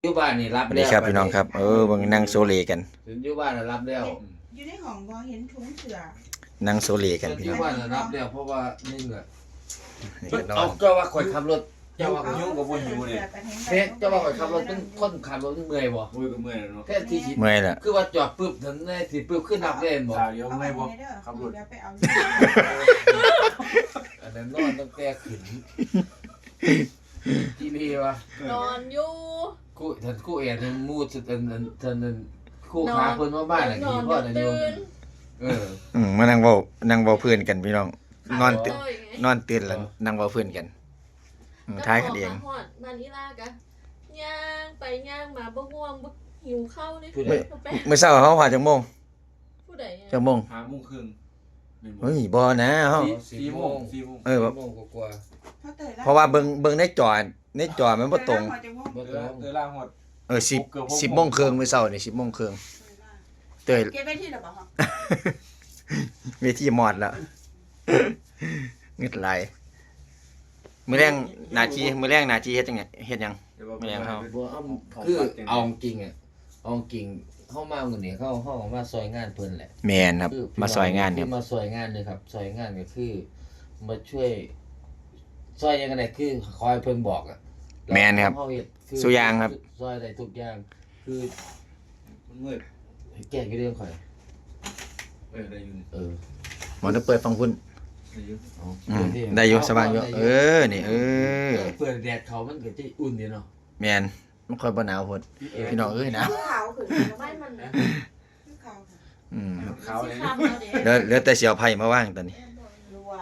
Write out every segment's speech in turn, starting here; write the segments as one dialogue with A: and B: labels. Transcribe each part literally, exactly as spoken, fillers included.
A: อยู่บ้านนี่รับแล้ว
B: นี่ครับพี่น้องครับเออเบิ่งนั่งโซเลกัน
A: ถึงอยู่บ้านน่ะรับแล้ว
C: อยู่ในห้องบ่เห็นถุงเสื้อ
B: นั่งโซเลกัน
A: ถึง
B: พี่
A: อ
B: น้อง
A: ยู่บ้านน่ะรับแล้วเพราะว่านี่แหละ
B: นี่ก็นอ
A: เอา
B: น
A: เจ้าว่าข่อยขับรถเจ้าว่า
D: ยุ่งกับบ่หิวเลย
A: เฮ็ดเจ้าว่าข่อยขับรถเป็นคนขับรถเมื่อยบ่
D: มือก็เมื่อยแล้วเนาะ
A: แค่ที่คิด
B: เมื่อยละ
A: คือว่าจอดปึ๊บถึงได้สิปึ๊บขึ้นนับเล่นบ่
D: ตาเดียวไม่บ่ขับรถ
C: ไปเอา
A: อันนั้นนอนตั้งแต่ขึ้นที่นี่วะ
E: นอนอยู่
A: กูท่านกูเอ็นมูดสุดอันนั้นท่านนั้นคู่ขาเพิ่นมาบ้านน่ะกี่พ่อน่ะโยมเออ
B: อืมมานั่งเว้านั่งเว้าเพื่อนกันพี่น้องนอนตื่น
E: โยไง
B: นอนตื่นแล้วนั่งเว้าเพื่อนกันอืมท้ายกันเอง
E: ก็พมาฮอดบ้านอีลากะย่างไปย่างมาบ่ง่วงบ่หิวข้าวเลย
A: ผู้ใด
E: บ่แปะ
B: มื้อเช้าเฮาหาจักโมง
E: ผู้ใดอะ
B: จักโมง
D: ห้าโมงครึ่ง
B: เฮ้ยบ่นะเฮา
D: สี่โมงสี่โมง
B: เออ
A: โมงกว่า
B: เพราะว่าเบิ่งเบิ่งในจอในจอมันบ่ตรง
A: ๆบ่
D: เอ
A: ต้
D: อ
A: อง
D: เออล่างหมด
B: เออสิบ สิบโมงครึ่งมื้อเช้านี่สิบโมงครึ่งเตย
C: เก็บไว้ที่หรอเปล่า
B: เวทีมอดแล้วเงึดไหลายมื้อแรงหน้าที่มื้อแรงหน้าที่เฮ็ดจังไงเฮ็ดหยัง
A: บ่เอาคือเอาจริงอ่ะเอาจริงเฮามามื้อนี้เฮาเฮามาซอยงานเพิ่นแหละ
B: แม่นครับ
A: คือ
B: มาซอยงานครับ
A: มาซอยงานเลยครับซอยงานก็คือมาช่วยซอยยังไงคือคอยเพิ่นบอกอ่ะ
B: แม่นครับ
A: เฮาเฮ็ดคือ
B: สุอย่างครับ
A: ซอยได้ทุกอย่างคือ
D: มันมืด
A: ให้แก้กี่เรื่องข่อย
D: เออได้อยู่นี่
A: เออ
B: หมอต้องเปิดฟังพุ่น
D: ได้อยู่
A: เอา
B: อืม
A: เดี๋ว
B: ได้อยู่
A: เ
B: สบายอยู่
A: ได้
B: เออนี่เออ
A: เปิดแดดเขามันก็จะอุ่นดีเนาะ
B: แม่นมันค่อยบ่หนาวพุ่นพี่น้องเอ้ยหนาว
C: ขาวขึ้น
E: ไม่มันนะ
C: ขาว
B: อืม
D: ขาวเลย
E: สิค่ำแล้วเด้
B: เหลือเหลือแต่เสียวไผ่มาว่างตอนนี้
C: รัว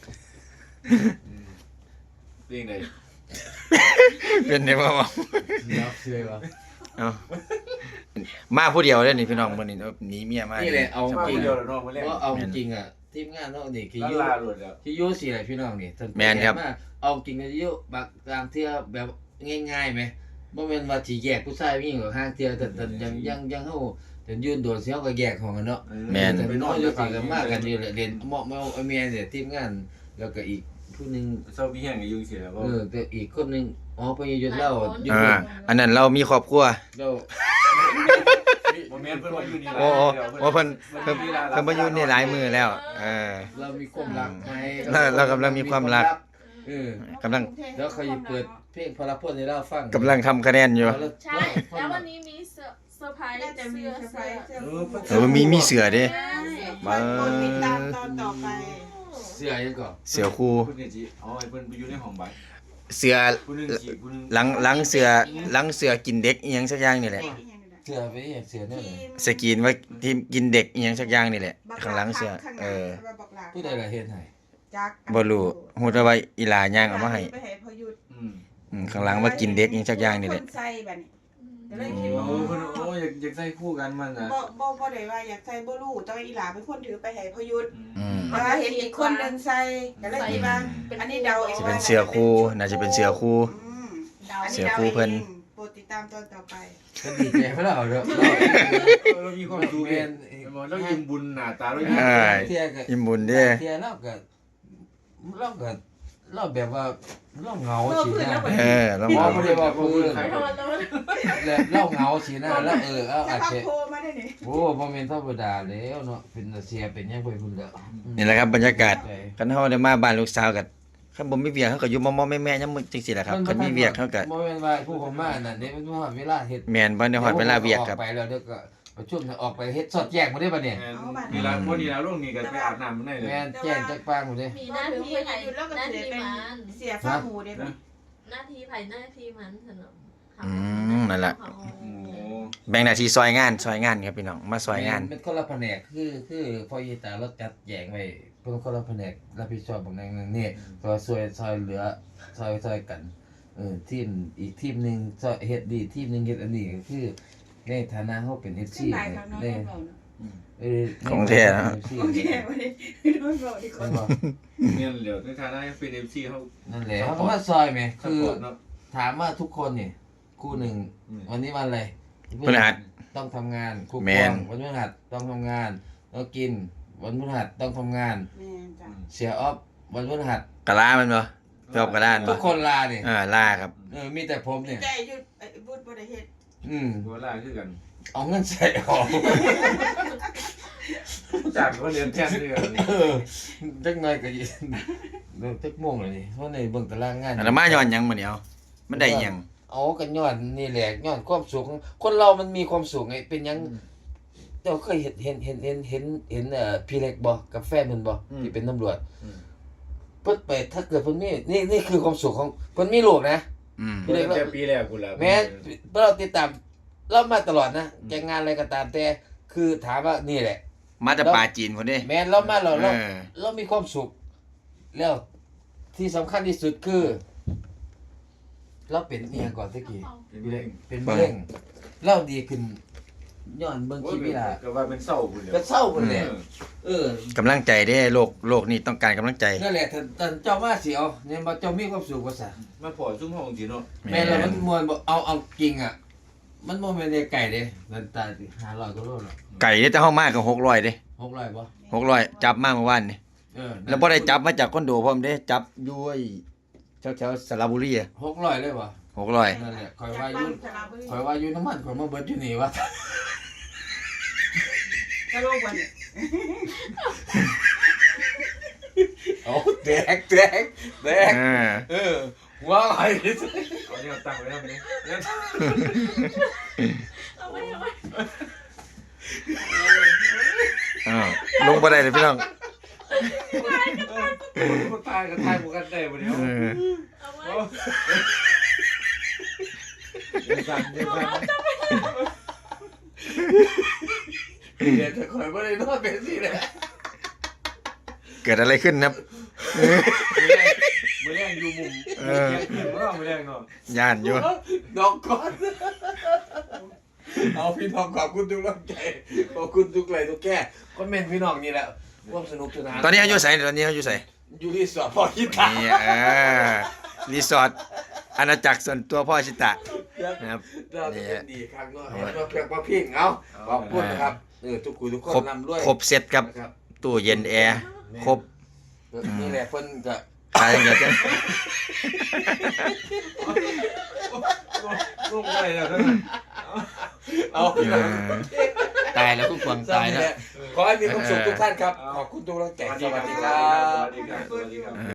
D: เรื่องใด
B: เป็นได้บ่บ่
A: เดี๋ยวเชื่อว่า
B: เอามาผู้เดียวเด้อนี่พี่น้องมื้อนี้หนีเมียมา
A: นี่แหละเอา
D: มา
A: จริง
D: เดียวแล้วเนาะมื้อแรก
A: เพราะเอาจริงอ่ะทีมงานเนาะนี่คือ
D: ลา
A: อยู่
D: ลาหลุดแล้ว
A: ที่อยู่สิแหละพี่น้องนี่ท่าน
B: แม่นครับ
A: มาเอาจริงก็อยู่บางบางเทื่อแบบง่ายๆไหมบ่แม่นว่าสิแยกผู้ชายผู้หญิงหรอกห้างเทื่อแต่แต่ยังยังยังเฮาแต่ยืนโดนเสียก็แยกของกันเนาะ
B: แม่น
A: แต่น้อยอยู่สิกันมากกันอยู่แหละเรียนเหมาะมาเอาเมียเนี่ยทีมงาน แล้วก็อีกผู้หนึง
D: เศร้าพี่แห้งก็ยุ่งเสียแล้วบ่
A: เออแต่อีกคนหนึงอ๋อไปอยู่เล่าอยู่
B: อ่าอันนั้นเรามีครอบครัว
A: เล่า
D: บ่แม่นเพิ่นว่าอยู่นี่
B: โอ้โอ้โอ้เพิ่นเพิ่นเพิ่นมาอยู่นี่หลายมื้อแล้วเออ
A: เรามีความรักไหม
B: เราเรากำลังมีความรัก
A: เออก
B: ำลัง
A: แล้วเขาจะเปิดเพลงพลพลให้เราฟัง
B: กำลังทำคะแนนอยู่
E: ใช่แล้ววันนี้มีเซอร์เซอร์ไพรส์
C: น่าจะมี
E: เสื้อ
C: เซอร์ไพร
E: เสื้อ
C: ส์เสื้อ
D: เออเพิ่น
B: เออมีมีเสือเด้
C: มาคนติดตามตอนต่อไป
A: เสื้อยังก่อน
B: เสือคู่
D: เพิ่นก็สิเอาให้เพิ่นไปอยู่ในห้องบัด
B: เสือ
D: ผู้หนึงสิผู้หนึง
B: หลังหลังเสือหลังเสือกินเด็กอีหยังสักอย่างนี่แหละ
A: เสื้อไปนี่เสื้อเนี่ยเลย
B: สกรีนไว้ที่กินเด็กอีหยังสักอย่างนี่แหละข้างหลังเสือเออ
A: ผู้ใดล่ะเฮ็ดให้
C: จัก
B: บ่รู้ฮู้แต่ว่าอีหลาย่างเอามาให้
C: ไปให้พอหยุด
D: อืม
B: อืมข้างหลังว่ากินเด็กอีหยังสักอย่างนี่แหละ
C: คนใส่บัดนี้ก็เลย
D: โอ้
C: คิดว่า
D: เพิ่นโอ้อยากอยากใส่คู่กันมันน่ะ
C: บ่บ่บ่ได้ว่าอยากใส่บ่รู้แต่ว่าอีหลาเป็นคนถือไปให้พอหยุด
B: อืม
C: แต่ว่าเห็นอีกคนหนึงใส่ก็เลยคิดว่าอันนี้เดาเอง
B: สิเป็นเสือคู่น่าจะเป็นเสือคู่
C: อืม
E: ดาว
C: อัน
B: เสื
C: นี้
B: อ
C: เดา
B: คู่เพิ่น
C: องโปรดติดตามตอนต่อไป
A: ก็ดีใจเพราะเราเด้อ
D: เรามีความสุขเองเรายิ้มบุญหน้าตาเรายิ้ม
B: เอ้ย
A: เที่ยก็
B: อิ่มบุญเด้
A: เที่ยเราก็เราก็เราแบบว่าเราเหงาสินะ
B: เออแล้ว
A: บ่
B: มา
A: บ่ได้ว่าผู้อื่น
E: ไปทอดแล้ว
A: แล้วเราเหงาสินะแล้วเออเอา
C: จะ
A: อาจ
C: พัก
A: จะ
C: โทรมาได้นี่
A: โอ้บ่แม่นธรรมดาแล้วเนาะเป็นเสียเป็นหยังไปพุ่นแล้ว
B: นี่แหละครับบรรยากาศคันเฮาได้มาบ้านลูกสาวก็คันบ่มีเวียกเฮาก็อยู่มอๆแม่ๆยามมื้อจังซี่แหละครับคันมีเวียกเฮาก็
A: บ่แม่นว่าผู้ผมมานั่นเด้มันว่าเวลาเฮ็ด
B: แม่นบ่ได้ฮอดเวลาเวียกครับ
A: ออกไปแล้วเดี๋ยวก็ประชุมออกไปเฮ็ดสอดแยกบ่ได้บัดเนี่ย
D: เวลาพอดีแล้วลงนี่ก็ไปอาบน้ำมันได้เลย
A: แม่นแจ้งจักปางบ่ได้
E: มีหน้าที่ไผ่
C: หยุดแล้วก็
E: หน้า
C: เสีย
E: ที่
C: เป็น
E: มัน
C: เสียฟ้าหมูได้ไหม
E: หน้าที่ไผ่หน้าที่มันสนม
B: อืมนั่นแหละ
D: โอ้
B: แบ่งหน้าที่ซอยงานซอยงานครับพี่น้องมาซอยงาน
A: เป็นคนละแผนกคือคือพออีตาเราจัดแยกไว้เป็นคนละแผนกรับผิดชอบบางอย่างนึงนี่ก็ช่วยซอยเหลือซอยซอยกันเออทีมอีกทีมนึงซอยเฮ็ดดีทีมนึงเฮ็ดอันนี้ก็คือในฐานะเฮาเป็น เอฟ ซี
C: ขึ้นหลายครั้งเนาะ
A: ใน
C: เราเนาะ
A: เออ
B: ของแท้นะ
A: เอฟ ซี
C: โอเควันนี้โดนบอกดีก
A: ใช่
C: ว่า
A: บ่
D: เนี่ยเดี๋ยวในฐานะเป็น เอฟ ซี เฮา
A: นั่นแหละเขาก็มาซอยไหม
D: ซัพ
A: คือ
D: พอร์ตเนาะ
A: ถามว่าทุกคนนี่คู่หนึ่ง
D: อืม
A: วันนี้วันอะไร
B: พฤหัส
A: ต้องทำงานครู
B: แม
A: ปอน งวันพฤหัสต้องทำงานแล้วกิน วันพฤหัสต้องทำงาน
C: แม่จ้ะ
A: เสียออฟวันพฤหัส
B: กะลามันบ่จบกะลา
A: ทุ
B: บ่
A: กคนลาเนี่ย
B: อ่าลาครับ
A: เออมีแต่ผมเนี่ย
C: ใจหยุดไอ้บุญบบ่ได้เฮ็ด
A: อืม
D: ตัวล่าคือกัน
A: เอาเงินใส่ออก
D: จากเขาเรียนแทนด้วยกัน
A: เออจักหน่อยก็ยิเริ่มจักโมงแล้วนี่เพราะในเบิ่งตารางงาน
B: อันนั้นมาย้อนหยังมื้อนี้เอามันได้หยัง
A: เอากันย้อนนี่แหละย้อนความสุขของคนเรามันมีความสุขไงเป็นหยังเจ้าเคยเห็นเห็นเห็นเห็นเห็นเห็นเอ่อพี่เล็กบ่กับแฟนเพิ่นบ่ที่เป็นตำรวจเพิ่นไปถ้าเกิดเพิ่นมีนี่นี่คือความสุขของเพิ่นมีลูกนะ
B: อืม
A: พี่เล็ก
D: แต่ปีแรกกูละ
A: แม้เราติดตามเรามาตลอดนะแกงานอะไรก็ตามแต่คือถามว่านี่แหละ
B: มาจากปลาจีนพุ่นเด้
A: แม้เรามาเรา
B: เอ
A: เรา
B: อ
A: เรามีความสุข แล้วที่สำคัญที่สุดคือ เราเป็นเอียงก่อนตะกี้เป็นมะเร็งเราดีขึ้นย้อนเบิ่งคลิปนี่ล่ะ
D: ก็ว่าเป็นเศร้ากูเลย
A: ก็เศร้าพุ่นแหละเออก
B: ำลังใจเด้โลกโลกนี้ต้องการกำลังใจ
A: นั่นแหละท่านท่านเจ้ามาสิเอาเนี่ยบ่เจ้ามีความสุขว่าซะ
D: มาพอซุ่มห้องสิเนาะ
A: แม่นแล้วมันม่วนบ่เอาเอาจริงอ่ะ มันบ่แม่นได้ไก่เด้นั่นตาสิห้าร้อยกว่าโลแล้ว
B: ไก่เด้แต่เฮามาก็หกร้อยเด้
A: หกร้อยบ่
B: หกร้อยจับมาเมื่อวานนี่
A: เออ
B: แล้วบ่ได้จับมาจากคอนโดพร้อมเด้จับอยู่ไอ้แถวๆสระบุรีอะ
A: หกร้อยเลยบ่
B: หกร้อย
A: นั่นแหละคอย
C: จาก
A: ว่าอ
C: บ้า
A: ยู่
C: นสระบุรี
A: คอยว่าอยู่น้ำมันคอยมาเบิดอยู่นี่วะ
C: กะโลกวันนี้
A: เอาแตกแตกแตก
B: เออ
A: เออหัวไหล
D: เอาเนี่ยตั้งไว้แล้วมั้ยเนี่ย
E: เอาไว้เอาไว้
B: อ้าวลงบ่ได้เลยพี่น้อง
D: คนตายกันตายหมู่กันได้บ่เดี๋ยว
B: เออ
E: เอาไว้
D: เดี๋ยวสั่นเดี๋ยวสั่น
A: เดี๋ยวจะคอยว่าได้นอนเป็นสิแหละ
B: เกิดอะไรขึ้นครับ
D: มื้อแรงอยู่มุมเออมื้อแรงเนาะ
B: ย่านอยู่
A: น้องก่อนเอาพี่น้องขอบคุณทุกกำลังใจขอบคุณทุกไลค์ทุกแก่คอมเมนต์พี่น้องนี่แหละร่วมสนุกสนาน
B: ตอนนี้เขาอยู่ไสตอนนี้เขาอยู่ไส
A: อยู่ที่สวนพ่อคิดตา
B: นี่เออรีสอร์ทอาณาจักรส่วนตัวพ่อชิตะนะครับ
A: เราจะเป็นดีครั้งเนาะเห็นว่าเพียงว่าพิงเอาขอบคุณนะครับเออทุกคุยทุกคน
B: ครบ
A: นำด้วย
B: ครบเซตครับ
A: นะครับ
B: ตู้เย็นแอร์ครบ
A: นี่แหละเพิ่นก็
B: ขายอย่างเดียวจ้ะ
D: ลงไปแล้วท่าน
A: เอา
B: เออตายแล้วคุณกวางตายแล้ว
A: ขอให้มีความสุขทุกท่านครับ ขอบคุณทุกกำลังใจสวัสดีครั
D: ส
A: บ
D: วัสดีครับสวัสดีครับ